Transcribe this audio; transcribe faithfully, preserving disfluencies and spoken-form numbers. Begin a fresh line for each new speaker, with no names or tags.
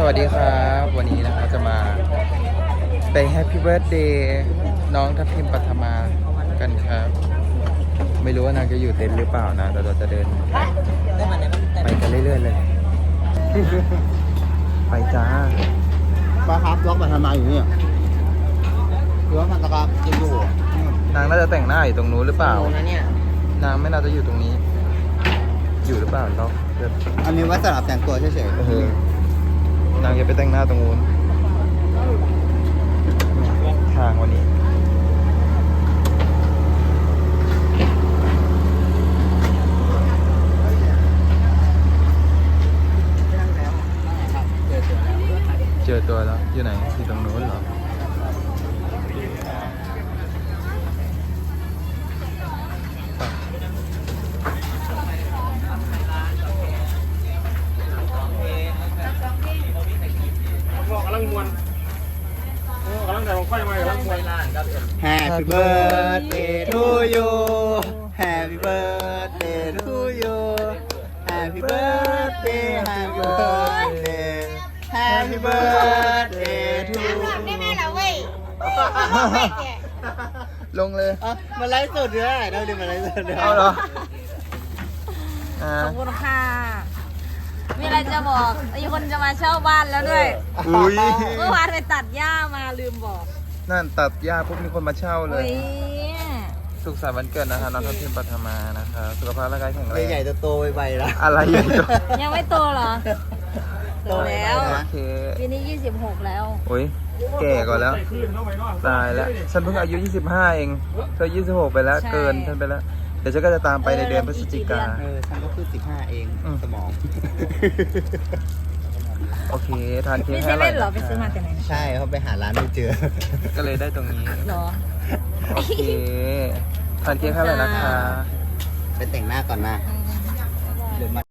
วัสดีครับวันนี้นะครับจะมาไปแฮปปี้เบิร์ธเดย์น้องทัพทิมปัทมากันครับไม่รู้ว่านางจะอยู่เต็นท์หรือเปล่านะแต่เราจะเดินไปกันเรื่อยๆเลยไปจ้า
ป้าครับล็อกมาทำไมอยู่เนี่ยหรือว่ามันตะกาจะอยู่
นางน่าจะแต่งหน้าอยู่ตรงนู้นหรือเปล่า
นะเนี่ย
นางไม่น่าจะอยู่ตรงนี้ อยู่หรือเปล่าเราเดิน
อันนี้ไว้สำหรับแต่งตัวเฉย
เออนางจะไปแต่งหน้าตรงนู้นทางวันนี้เจอตัวแล้วอยู่ไหนอยู่ตรงนู้นเหรอ
กำลังมวนกำลังแต่ลงไฟมากำลังมวน
ๆ Happy birthday to you Happy birthday to you Happy birthday Happy birthday Happy birthday to you
ได้ไหมล่ะเว้ย
ลงเลย
อ่ะมันไลฟ์สดด้วยเราดิมันไลฟ์สดด้วย
เอาเหรออ่า
ขอบคุณค่ะ มีอะไรจะบอกมีคนจะมาเช่าบ้านแล้วด้วย
อุ้ย
เมื่อวานไปตัดหญ้ามาลืมบอก
นั่นตัดหญ้าปุ๊บมีคนมาเช่าเล
อุ้
ย
ย
สุขสันต์วันเกิดนะคะน้องทัพทิมปัทมานะคะสุขภาพร่างกายแข็งแรง
ใหญ่ๆโตๆไวๆแล้ว
อะไรใหญ่โต
ยังไม่โตเหรอ โตแล้ว
โอเค
ปีนี้ยี่สิบหกแล้ว
โอ้ยแก่ก่อนแล้ว
ขึ้นเข้าไปเนาะ
ตายแล้วฉันเพิ่งอายุยี่สิบห้าเองเธอยี่สิบหกไปแล้ว
ใช่
เกินฉันไปแล้วเดี๋ยวฉันก็จะตามไปในเดือนพฤศจิกา
เออฉันก็คือสิบห้าเอง
อืม
สมอง
โอเคทานเค้ก
มีเซ
ให้อร่
เว่
อย
นเหรอไปซื้อมาแต่ไหนนะ
ใช่เขาไปหาร้านไม่เจอ
ก็เลยได้ตรงนี้
เหรอ
โอเคทานเค้กให้อร่อยนะคะ
ไปแต่งหน้าก่อนนะ
อืม
เดี๋ยวมา